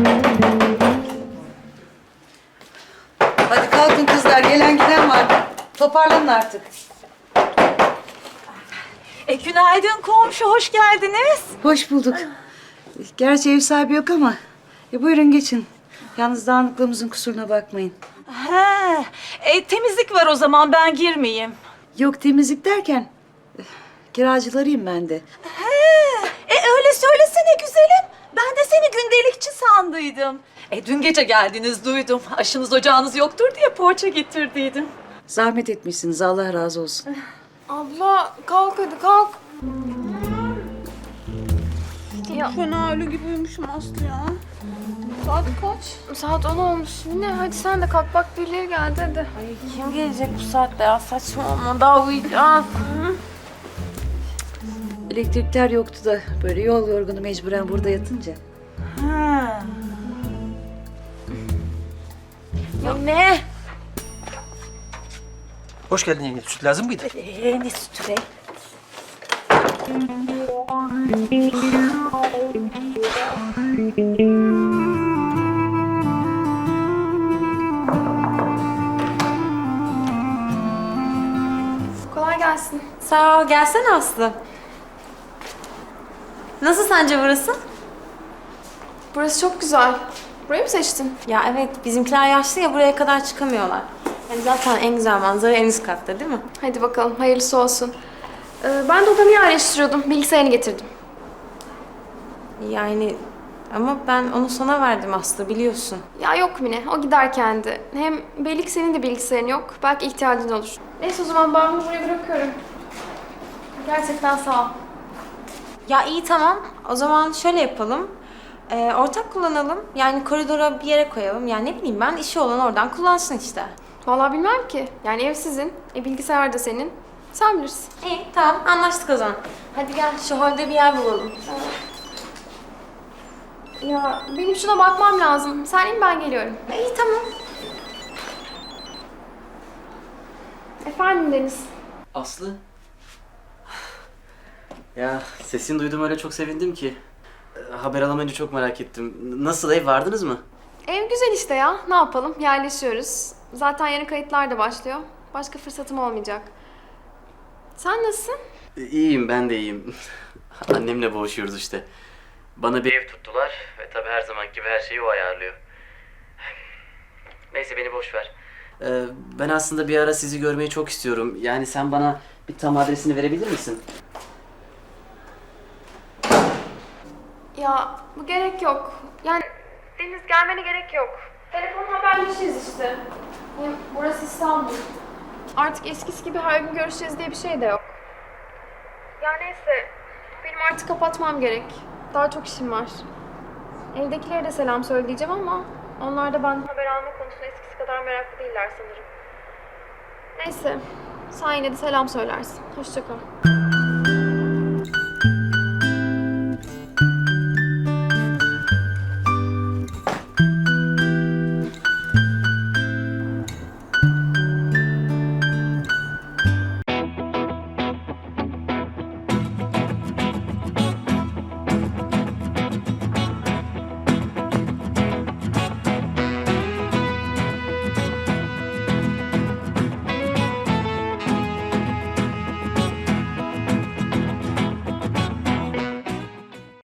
Hadi kalkın kızlar, gelen giden var. Toparlanın artık. Günaydın komşu, hoş geldiniz. Hoş bulduk. Gerçi ev sahibi yok ama. Buyurun geçin. Yalnız dağınıklığımızın kusuruna bakmayın. Temizlik var o zaman, ben girmeyeyim. Yok temizlik derken... kiracılarıyım ben de. Öyle söylesene güzelim. Ben de seni gündelikçi sandıydım. Dün gece geldiniz duydum. Aşınız ocağınız yoktur diye poğaça getirdiydim. Zahmet etmişsiniz, Allah razı olsun. Abla kalk hadi kalk. Ya. Fena ölü gibi uyumuşum Aslı ya. Saat kaç? Saat 10 olmuş. Yine hadi sen de kalk bak birileri geldi hadi. Ay kim gelecek bu saatte ya saçmalama daha uyuyacağız. Elektrikler yoktu da böyle yol yorgunu mecburen burada yatınca. Ya ne? Hoş geldin yenge. Süt lazım mıydı? Ne sütü be? Kolay gelsin. Sağ ol. Gelsene Aslı. Nasıl sence burası? Burası çok güzel. Burayı mı seçtin? Ya evet, bizimkiler yaşlı ya, buraya kadar çıkamıyorlar. Yani zaten en güzel manzara en üst katta değil mi? Hadi bakalım hayırlısı olsun. Ben de odamı yerleştiriyordum. Bilgisayarını getirdim. Yani ama ben onu sana verdim Aslı, biliyorsun. Ya yok Mine, o gider kendi. Hem belli ki senin de bilgisayarın yok. Belki ihtiyacın olur. Neyse o zaman ben bunu buraya bırakıyorum. Gerçekten sağ ol. Ya iyi tamam. O zaman şöyle yapalım. Ortak kullanalım. Yani koridora bir yere koyalım. Yani ne bileyim ben, işi olan oradan kullansın işte. Vallahi bilmem ki. Yani ev sizin, bilgisayar da senin. Sen bilirsin. İyi tamam, anlaştık o zaman. Hadi gel şu holde bir yer bulalım. Ya benim şuna bakmam lazım. Sen in ben geliyorum. İyi tamam. Efendim Deniz. Aslı? Ya sesini duydum, öyle çok sevindim ki. Haber alamayınca çok merak ettim. Nasıl, ev vardınız mı? Ev güzel işte ya. Ne yapalım? Yerleşiyoruz. Zaten yeni kayıtlar da başlıyor. Başka fırsatım olmayacak. Sen nasılsın? İyiyim, ben de iyiyim. Annemle boğuşuyoruz işte. Bana bir ev tuttular ve tabii her zamanki gibi her şeyi o ayarlıyor. Neyse beni boş ver. Ben aslında bir ara sizi görmeyi çok istiyorum. Yani sen bana bir tam adresini verebilir misin? Ya bu gerek yok. Yani Deniz gelmene gerek yok. Telefonla haberleşiriz işte. Hem burası İstanbul. Artık eskisi gibi her gün görüşeceğiz diye bir şey de yok. Ya neyse. Benim artık kapatmam gerek. Daha çok işim var. Evdekilere de selam söyleyeceğim ama onlar da benden haber alma konusunda eskisi kadar meraklı değiller sanırım. Neyse. Sen yine de selam söylersin. Hoşça kal.